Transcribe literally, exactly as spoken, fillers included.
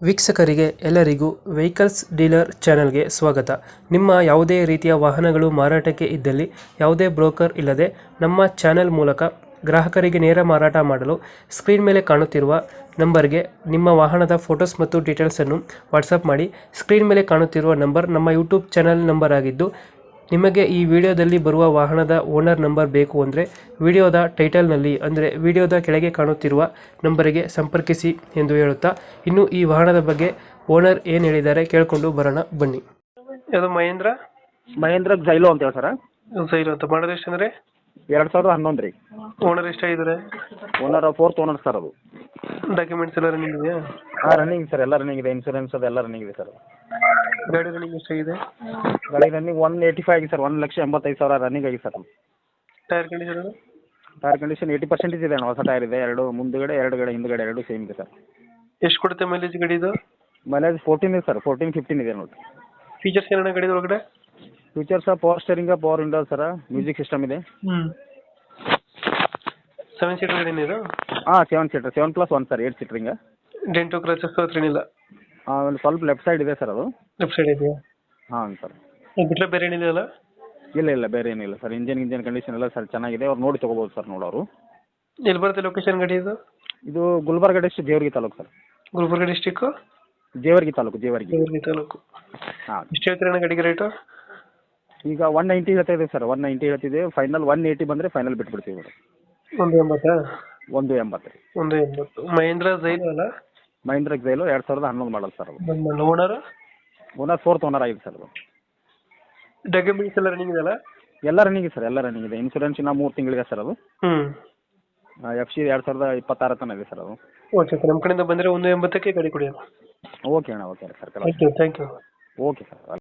ವೀಕ್ಷಕರಿಗೆ ಎಲ್ಲರಿಗೂ vehicles dealer ಚಾನೆಲ್ಗೆ ಸ್ವಾಗತ. ನಿಮ್ಮ ಯಾವುದೇ ರೀತಿಯ ವಾಹನಗಳು ಮಾರಾಟಕ್ಕೆ ಇದ್ದಲ್ಲಿ ಯಾವುದೇ ಬ್ರೋಕರ್ ಇಲ್ಲದೆ ನಮ್ಮ ಚಾನೆಲ್ ಮೂಲಕ ಗ್ರಾಹಕರಿಗೆ ನೇರ ಮಾರಾಟ ಮಾಡಲು ಸ್ಕ್ರೀನ್ ಮೇಲೆ ಕಾಣುತ್ತಿರುವ ನಂಬರ್ಗೆ ನಿಮ್ಮ ವಾಹನದ ಫೋಟೋಸ್ ಮತ್ತು ಡೀಟೇಲ್ಸನ್ನು ವಾಟ್ಸಪ್ ಮಾಡಿ. ಸ್ಕ್ರೀನ್ ಮೇಲೆ ಕಾಣುತ್ತಿರುವ ನಂಬರ್ ನಮ್ಮ ಯೂಟ್ಯೂಬ್ ಚಾನೆಲ್ ನಂಬರ್ ಆಗಿದ್ದು, ನಿಮಗೆ ಈ ವಿಡಿಯೋದಲ್ಲಿ ಬರುವ ವಾಹನದ ಓನರ್ ನಂಬರ್ ಬೇಕು ಅಂದರೆ ವಿಡಿಯೋದ ಟೈಟಲ್ನಲ್ಲಿ ಅಂದರೆ ವಿಡಿಯೋದ ಕೆಳಗೆ ಕಾಣುತ್ತಿರುವ ನಂಬರಿಗೆ ಸಂಪರ್ಕಿಸಿ ಎಂದು ಹೇಳುತ್ತಾ, ಇನ್ನು ಈ ವಾಹನದ ಬಗ್ಗೆ ಓನರ್ ಏನು ಹೇಳಿದ್ದಾರೆ ಕೇಳಿಕೊಂಡು ಬರೋಣ ಬನ್ನಿ. ಅದು ಮಹೇಂದ್ರ ಮಹೇಂದ್ರ ಜೈಲೋ ಅಂತ ಹೇಳಿ ಸರ್. ಸೈರು ಅಂತ ಮಾಡೋದು ಎಷ್ಟು ಅಂದರೆ ಎರಡು ಸಾವಿರದ ಹನ್ನೊಂದು ರೀ. ಓನರ್ ಎಷ್ಟಾಗಿದ್ದಾರೆ? ಓನರ್ ಫೋರ್ತ್ ಓನರ್ ಸರ್ ಅದು. ಡಾಕ್ಯುಮೆಂಟ್ಸ್ ಎಲ್ಲ ರನ್ನಿಂಗ್ ಇದೆಯಾ? ಹಾಂ ರನ್ನಿಂಗ್ ಸರ್, ಎಲ್ಲ ರನ್ನಿಂಗ್ ಇದೆ. ಇನ್ಸೂರೆನ್ಸ್ ಅದು ಎಲ್ಲ ರನ್ನಿಂಗ್ ಇದೆ ಸರ್. ಗಾಡಿ ರನ್ನಿಂಗ್ ಎಷ್ಟಾಗಿದೆ? ಗಾಡಿ ರನ್ನಿಂಗ್ ಒನ್ ಏಯ್ಟಿ ಫೈವ್ ಆಗಿದೆ ಸರ್. ಒಂದು ಲಕ್ಷ ಎಂಬತ್ತೈದು ಸಾವಿರ ರನ್ನಿಂಗ್ ಆಗಿದೆ sir. Tyre condition? Tyre condition eighty percentage ಇದೆ ಅಣ್ಣ. ಹೊಸ ಟೈರ್ ಇದೆ, ಎರಡು ಮುಂದುಗಡೆ ಎರಡು ಗಡೆ ಹಿಂದುಗಡೆ ಎರಡು ಸೇಮ್ ಇದೆ ಸರ್. ಎಷ್ಟು ಕೊಡುತ್ತೆ ಮೈಲೇಜ್ ಗಾಡಿ ಇದು? ಮೈಲೇಜ್ ಫೋರ್ಟೀನ್ ಇದೆ ಸರ್, ಫೋರ್ಟೀನ್ ಫಿಫ್ಟೀನ್ ಇದೆ ನೋಡಿ. ಫೀಚರ್ಸ್ ಏನೇನು ಗಾಡಿ ಒಳಗಡೆ? Features power steering, power window sir, music system ಇದೆ. ಹ್ಞೂ ಸೆವೆನ್ ಸೀಟರ್ ಗಾಡಿನ ಇದು? ಹಾಂ seven seater, seven plus one sir, eight ಸೀಟ್ರಿಂಗ. ಡೆಂಟು ಕ್ರಚಸ್ ಹತ್ರ ಏನಿಲ್ಲ? ಹಾಂ ಒಂದು ಸ್ವಲ್ಪ ಲೆಫ್ಟ್ ಸೈಡ್ ಇದೆ ಸರ್ ಅದು. ಲೆಫ್ಟ್ ಸೈಡ್ ಇದೆಯಾ? ಹಾಂ ಸರ್. ಬಿಟ್ಟರೆ ಬೇರೆ ಏನಿದೆಯಲ್ಲ? ಇಲ್ಲ ಇಲ್ಲ ಬೇರೆ ಏನಿಲ್ಲ ಸರ್. ಇಂಜಿನ್ ಇಂಜಿನ್ ಕಂಡೀಷನ್ ಎಲ್ಲ ಸರ್ ಚೆನ್ನಾಗಿದೆ. ಅವ್ರು ನೋಡಿ ತೊಗೋಬೋದು ಸರ್ ನೋಡೋರು. ಎಲ್ಲಿ ಬರುತ್ತೆ ಲೊಕೇಶನ್ ಗಾಡಿ ಇದು? ಇದು Gulbarga district, Jevargi taluk sir. Gulbarga district, Jevargi taluk, Jevargi. Jevargi taluk. ಹಾಂ. ಎಷ್ಟು ಹೇಳ್ತೀರಣ್ಣ ಗಾಡಿಗೆ ರೇಟು? ಈಗ ಒನ್ ನೈಂಟಿ ಹೇಳ್ತಾ ಇದೆ ಸರ್. ಒನ್ ನೈಂಟಿ ಹೇಳ್ತಿದೆ. ಫೈನಲ್ ಒನ್ ಏಯ್ಟಿ ಬಂದರೆ ಫೈನಲ್ ಬಿಟ್ಬಿಡ್ತೀವಿ ಮೇಡಮ್. ಒಂದು ಎಂಬತ್ತಾ? ಒಂದು ಎಂಬತ್ತು ರೀ. ಒಂದು ಎಂಬತ್ತು. ಮಹೇಂದ್ರ ಜೈಲು ಅಲ್ಲ? ಮಹೇಂದ್ರ ಜೈಲು ಎರಡು ಸಾವಿರದ ಹನ್ನೊಂದು ಮಾಡಲ್ ಸರ್ ಅದು. ಓನರ್? ಓನರ್ ಫೋರ್ತ್ ಓನರ್ ಆಗಿದೆ ಸರ್ ಅದು. ಡಾಕ್ಯುಮೆಂಟ್ಸ್ ಎಲ್ಲ ರನ್ನಿಂಗ್ ಇದೆಯಲ್ಲ? ಎಲ್ಲ ರನ್ನಿಂಗ್ ಇದೆ ಸರ್, ಎಲ್ಲ ರನ್ನಿಂಗ್ ಇದೆ. ಇನ್ಸೂರೆನ್ಸ್ ಇನ್ನು ಮೂರು ತಿಂಗಳಿಗೆ ಸರ್ ಅದು. ಹ್ಞೂ. ಎಫ್ ಸಿ ಎರಡು ಸಾವಿರದ ಇಪ್ಪತ್ತಾರು ತನಕ ಇದೆ ಸರ್ ಅದು. ಓಕೆ ಸರ್, ನಮ್ಮ ಕಡೆಯಿಂದ ಬಂದರೆ ಒಂದು ಎಂಬತ್ತಕ್ಕೆ ಗಾಡಿ ಕೊಡಿ. ಓಕೆ ಅಣ್ಣ, okay sir. Thank you thank you okay sir.